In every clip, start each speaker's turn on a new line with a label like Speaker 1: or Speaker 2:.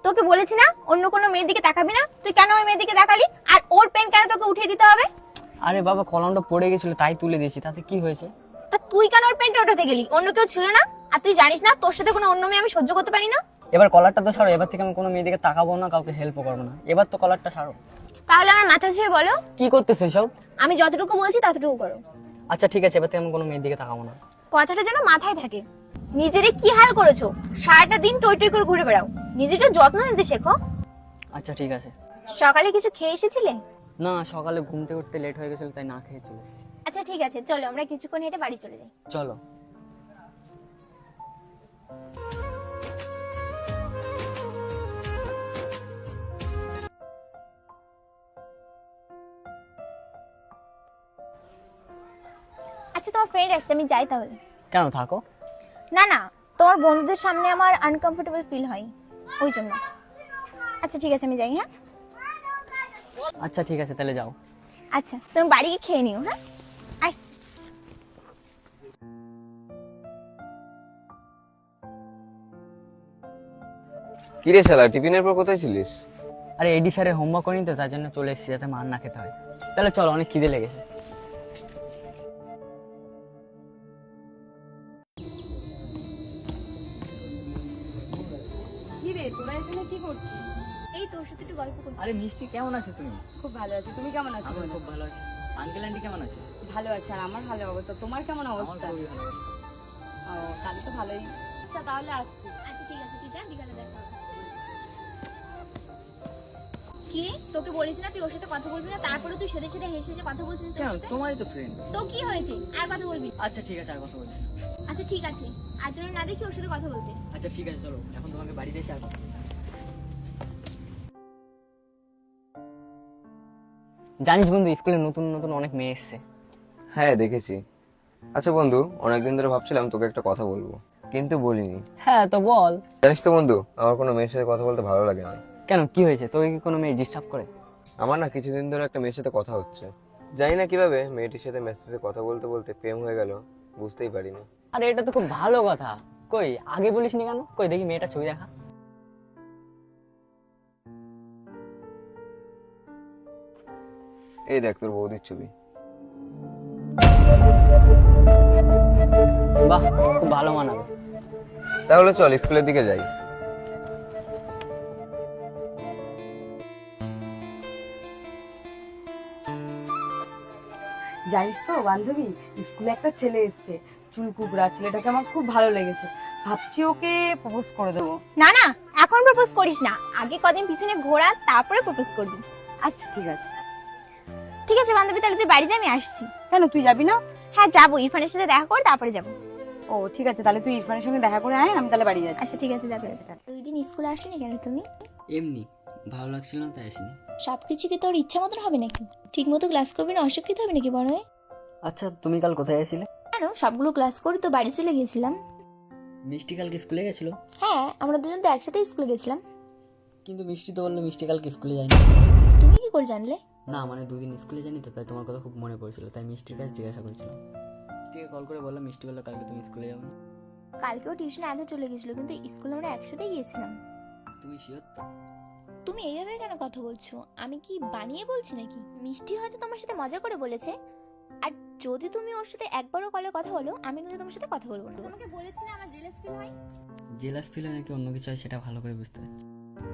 Speaker 1: তোকে বলেছি না অন্য কোনো মেয়ের দিকে তাকাবি না, তুই কেন ওই মেয়ের দিকে তাকালি? আর ওর পেন কেন তোকে উঠিয়ে দিতে হবে?
Speaker 2: আরে বাবা, কলমটা পড়ে গেছিল তাই তুলে দিয়েছি, তাতে কি হয়েছে?
Speaker 1: তা তুই কেন ওর পেনটা উঠাতে গেলি? অন্য কেউ ছিল না? আর তুই জানিস না তোর সাথে কোনো অন্য মেয়ে আমি সহ্য করতে পারি না।
Speaker 2: এবার কলারটা তো ছাড়ো, এবার থেকে আমি কোনো মেয়েদিকে তাকাবো না, কাউকে হেল্পও করবো না। এবার তো কলারটা ছাড়ো।
Speaker 1: তাহলে আমার মাথা ছুঁয়ে বলো,
Speaker 2: কি করতেছো সব?
Speaker 1: আমি যতটুকু বলছি ততটুকু করো।
Speaker 2: আচ্ছা ঠিক আছে, এবার থেকে আমি কোনো মেয়ের দিকে তাকাবো না।
Speaker 1: কথাটা যেন মাথায় থাকে। নিজেরে কি হাল করেছো, সারাটা দিন টই টই করে ঘুরে বেড়াও, নিজেটা যত্ন নিতে শেখো।
Speaker 2: আচ্ছা ঠিক আছে।
Speaker 1: সকালে কিছু খেয়ে এসেছিলে?
Speaker 2: না, সকালে ঘুমতে উঠতে লেট হয়ে গেছিল তাই না খেয়ে চলে এসেছি।
Speaker 1: আচ্ছা ঠিক আছে, চলো আমরা কিছুক্ষণ হেঁটে বাড়ি চলে যাই।
Speaker 2: চলো।
Speaker 1: আচ্ছা তোমার ফ্রেন্ড আসছে, আমি যাই তাহলে।
Speaker 2: কেন, থাকো।
Speaker 1: না না, তোমার বন্ধুদের সামনে আমার আনকমফোর্টেবল ফিল হয়, ওই জন্য। আচ্ছা ঠিক আছে, আমি যাই। হ্যাঁ
Speaker 2: আচ্ছা ঠিক আছে, তাহলে যাও।
Speaker 1: আচ্ছা, তুমি বাড়ি গিয়ে খেয়ে নিও। হ্যাঁ আসছি।
Speaker 3: কিরে শালা, টিফিনের পর কোথায় ছিলিস?
Speaker 2: আরে এডি স্যারের হোমওয়ার্ক করিনি তো, তার জন্য চলে এসেছি যাতে মার না খেতে হয়। তাহলে চলো, অনেক খিদে লেগেছে।
Speaker 4: কি রে, তোরা এখানে কি করছিস?
Speaker 1: এই তোর সাথে একটু গল্প করছি।
Speaker 2: আরে মিষ্টি, কেমন আছো তুমি?
Speaker 4: খুব ভালো আছি, তুমি কেমন আছো?
Speaker 2: আমি খুব ভালো আছি। আঙ্কেল আন্টি কেমন আছে?
Speaker 4: ভালো আছে, আর আমার ভালো অবস্থা। তোমার কেমন
Speaker 2: আমার
Speaker 4: অবস্থা?
Speaker 2: খুবই ভালো অবস্থা।
Speaker 4: ও, তাহলে তো ভালোই। আচ্ছা তাহলে আসছি।
Speaker 1: আচ্ছা ঠিক আছে, তুই যা, বিকালে দেখা হবে। কি রে, তোকে বলেছি না তুই ওর সাথে কথা বলবি না, তারপরে তুই সেদে সেদে হেসে হেসে কথা বলছিস তোর
Speaker 2: কেন,
Speaker 1: সাথে?
Speaker 2: তোমারই তো ফ্রেন্ড।
Speaker 1: তো কি হয়েছে, আর কথা বলবি না?
Speaker 2: আচ্ছা ঠিক আছে, আর কথা বলছি না।
Speaker 1: আচ্ছা ঠিক আছে, আজ যেন না দেখি ওর সাথে কথা বলতে।
Speaker 2: আচ্ছা ঠিক আছে, চলো এখন তোমাকে বাড়িতে এসে আর কথা বলবো। জানিস বন্ধু, স্কুলে নতুন নতুন অনেক মেয়ে এসছে।
Speaker 3: হ্যাঁ দেখেছি। আচ্ছা বন্ধু, অনেকদিন ধরে ভাবছিলাম তোকে একটা কথা বলবো, কিন্তু বলিনি।
Speaker 2: হ্যাঁ তো বল।
Speaker 3: জানিস তো বন্ধু, আমার কোনো মেয়ের সাথে কথা বলতে ভালো লাগে না।
Speaker 2: কেন, কি হয়েছে? তোকে কি কোনো মেয়ে ডিস্টার্ব করে?
Speaker 3: আমার না কিছুদিন ধরে একটা মেয়ের সাথে কথা হচ্ছে। জানি না কিভাবে মেয়েটির সাথে মেসেজে কথা বলতে বলতে প্রেম হয়ে গেল, বুঝতেই পারিনি।
Speaker 2: আরে এটা তো খুব ভালো কথা। কই আগে বলিসনি কেন? কই দেখি মেয়েটা ছবি দেখা।
Speaker 3: এই দেখ তোর বৌদির ছবি।
Speaker 2: বাহ, খুব ভালো মানাবে।
Speaker 3: তাহলে চল স্কুলের দিকে যাই।
Speaker 4: জানিস তো বান্ধবী, স্কুলে একটা ছেলে এসেছে, চুল কুকড়া। ছেলেটাকে আমার খুব ভালো লেগেছে, ভাবছি ওকে প্রপোজ করে দেবো।
Speaker 1: না না, এখন প্রপোজ করিস না, আগে কদিন পিছনে ঘোরা, তারপরে প্রপোজ করবি।
Speaker 4: আচ্ছা ঠিক আছে।
Speaker 1: ঠিক আছে বান্ধবী, তাহলে তুই বাড়ি যা, আমি আসছি।
Speaker 4: কেন, তুই যাবি না?
Speaker 1: হ্যাঁ যাবো, ইরফানের সাথে দেখা করে তারপরে যাবো।
Speaker 4: ও ঠিক আছে, তাহলে তুই ইরফানের সঙ্গে দেখা করে আয়, আমি তাহলে বাড়ি যাচ্ছি।
Speaker 1: আচ্ছা ঠিক আছে, যাবে। দুই দিন স্কুলে আসেনি কেন তুমি?
Speaker 2: এমনি ভালো লাগছিল না তাই আসিনি।
Speaker 1: সবকিছু কি তোর ইচ্ছা মতন হবে নাকি? ঠিক মতো ক্লাস করবি না, অশিক্ষিত হবে নাকি বড় হয়ে?
Speaker 2: আচ্ছা তুমি কাল কোথায় গেছিলে?
Speaker 1: কেন, সবগুলো ক্লাস করে তো বাড়ি চলে গিয়েছিলাম।
Speaker 2: মিষ্টি কালকে স্কুলে গেছিল?
Speaker 1: হ্যাঁ, আমরা দুজন তো একসাথে স্কুলে গেছিলাম।
Speaker 2: কিন্তু মিষ্টি তো বললো মিষ্টি কালকে স্কুলে যায়নি।
Speaker 1: তুমি কি করে জানলে?
Speaker 2: না মানে দুদিন স্কুলে যায়নি তো, তাই তোমার কথা খুব মনে পড়ছিল, তাই মিষ্টির কাছে জিজ্ঞাসা করেছিলাম। মিষ্টিকে কল করে বললাম, মিষ্টি বললো কালকে তুমি স্কুলে যাবে না।
Speaker 1: কালকেও টিউশনে আগে চলে গেছিল, কিন্তু স্কুলে আমরা একসাথেই গিয়েছিলাম।
Speaker 2: তুমি শিওর তো?
Speaker 1: তুমি এইভাবে কেন কথা বলছো? আমি কি বানিয়ে বলছি নাকি? মিষ্টি হয়তো তোমার সাথে মজা করে বলেছে, আর যদি তুমি ওর সাথে একবারও কলে কথা বলো, আমি কিন্তু তোমার সাথে কথা বলবো না। তোমাকে বলেছি না আমার জেলাস ফিল হয়।
Speaker 2: জেলাস ফিল হয় নাকি অন্য কিছু হয় সেটা ভালো করে বুঝতে পারছি।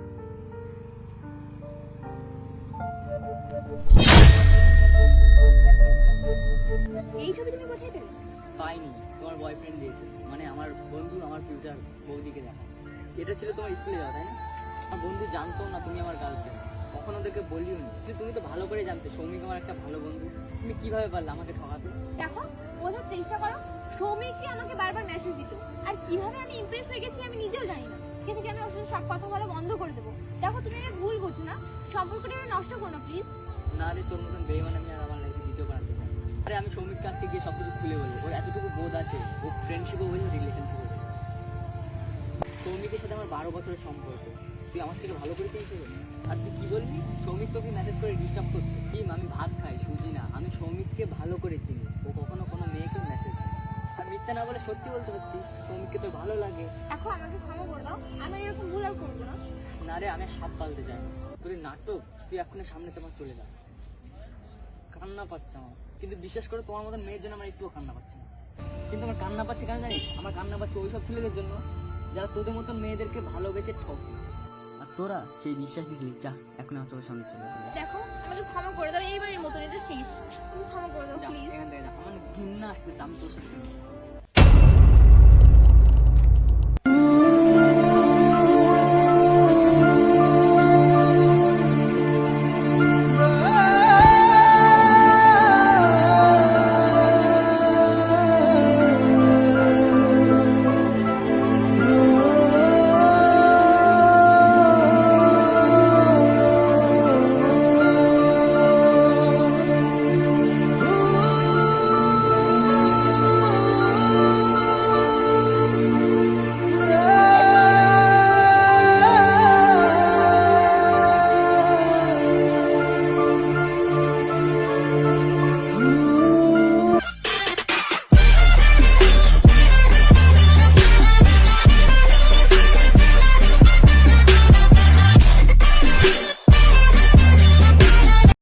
Speaker 1: এই ছবি তুমি কোথায় পেলে?
Speaker 2: পাইনি, তোমার বয়ফ্রেন্ড দিয়েছে, মানে আমার বন্ধু আমার ফিউচার বৌদিকে দেখা। এটা ছিল তোমার স্কুলে যাওয়া, তাই না? আমার বন্ধু জানতো না তুমি আমার গার্লফ্রেন্ড, কখনো ওদেরকে বলিও নি। কিন্তু তুমি তো ভালো করে জানতে সৌমিক আমার একটা ভালো বন্ধু। তুমি কিভাবে পারলে আমাকে ঠকাতে?
Speaker 1: দেখো, বোঝার চেষ্টা করো। সৌমিকই আমাকে বারবার মেসেজ দিত, আর কিভাবে আমি ইমপ্রেস হয়ে গেছি আমি নিজেও জানি না। আজকে থেকে আমি ওর সাথে সব কথা বলা বন্ধ করে দেবো। দেখো তুমি আমার ভুল বোঝো না, সম্পর্কটা আমি নষ্ট করো না প্লিজ।
Speaker 2: না রে, তোর মতন বেইমান আমি আর আমার লাইফে দ্বিতীয় বানাতে চাই। আরে আমি সৌমিককে আজকে গিয়ে সব কিছু খুলে বলবো, ওর এতটুকু বোধ আছে, ও ফ্রেন্ডশিপও বোঝে, রিলেশনশিপও বোঝে। সৌমিকের সাথে আমার 12 বছরের সম্পর্ক, তুই আমার থেকে ভালো করে পেয়েছিস? আর তুই কি বলবি, সৌমিক তোকে মেসেজ করে ডিস্টার্ব করছে? আমি ভাত খাই সুজি না, আমি সৌমিককে ভালো করে চিনি, ও কখনো কোনো মেয়েকে মেসেজ দেয়। আর মিথ্যা না বলে সত্যি বলতে পারতিস, সৌমিককে তোর ভালো লাগে।
Speaker 1: দেখো আমাকে ক্ষমা করে দাও, আমি আর এরকম ভুল আর করবো না।
Speaker 2: না রে, আমি আর সাপ পালতে চাই না। তোর এই নাটক, তুই এক্ষুনি সামনে তোমার চলে যা। কান্না পাচ্ছে আমার, কিন্তু বিশ্বাস করে তোমার মতন মেয়ের জন্য আমার একটুও কান্না পাচ্ছে না। কিন্তু আমার কান্না পাচ্ছে কেন জানিস? আমার কান্না পাচ্ছে ওইসব ছেলেদের জন্য যারা তোদের মতন মেয়েদেরকে ভালোবেসে ঠকে। আর তোরা সেই বিশ্বাস নিয়ে যা, এখন আমার চোখের সামনে চলে যা।
Speaker 1: দেখো আমাকে ক্ষমা করে দাও, এইবারের মতন এটা শেষ, তুমি ক্ষমা করে দাও
Speaker 2: যা,
Speaker 1: প্লিজ।
Speaker 2: এখান থেকে যা, আমার ঘৃণা আসতেছে, আমি তোর সাথে